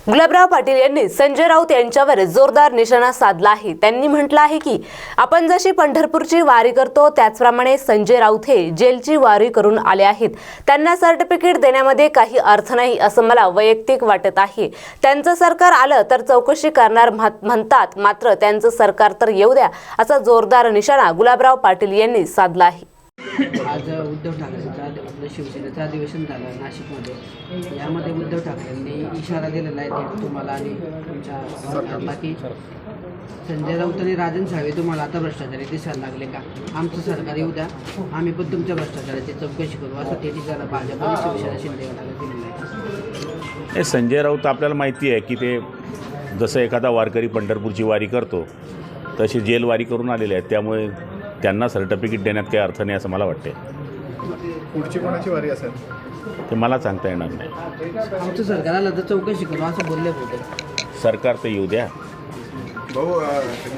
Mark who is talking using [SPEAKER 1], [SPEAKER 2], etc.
[SPEAKER 1] गुलाबराव पाटील यांनी संजय राऊत यांच्यावर जोरदार निशाणा साधला आहे। त्यांनी म्हटलं आहे की आपण जशी पंढरपूरची वारी करतो त्याचप्रमाणे संजय राऊत हे जेलची वारी करून आले आहेत। त्यांना सर्टिफिकेट देण्यामध्ये काही अर्थ नाही असं मला वैयक्तिक वाटत आहे। त्यांचं सरकार आलं तर चौकशी करणार म्हणतात, मात्र त्यांचं सरकार तर येऊ द्या असा जोरदार निशाणा गुलाबराव पाटील यांनी साधला आहे।
[SPEAKER 2] आज उद्धव ठाकरेंचं आपलं शिवसेनेचं अधिवेशन झालं नाशिकमध्ये। यामध्ये उद्धव ठाकरेंनी इशारा दिलेला आहे थेट तुम्हाला आणि तुमच्या सरकारला की संजय राऊत आणि राजन साळवे तुम्हाला आता भ्रष्टाचारी दिसायला लागले का, आमचं सरकार येऊ द्या, आम्ही पण तुमच्या भ्रष्टाचाराची चौकशी करू असं ते ठिकाणी भाजप आणि शिवसेना शिंदे गटाला दिलेलं आहे।
[SPEAKER 3] हे संजय राऊत आपल्याला माहिती आहे की ते जसं एखादा वारकरी पंढरपूरची वारी करतो तशी जेल वारी करून आलेले आहेत, त्यामुळे त्यांना सर्टिफिकेट देण्यात काही अर्थ नाही असं मला वाटते।
[SPEAKER 4] पुढची कोणाची वारी असेल
[SPEAKER 3] ते मला सांगता येणार नाही।
[SPEAKER 2] आमचं सरकार आलं तर चौकशी करू असं बोलले होते।
[SPEAKER 3] सरकार तर येऊ द्या।
[SPEAKER 4] भाऊ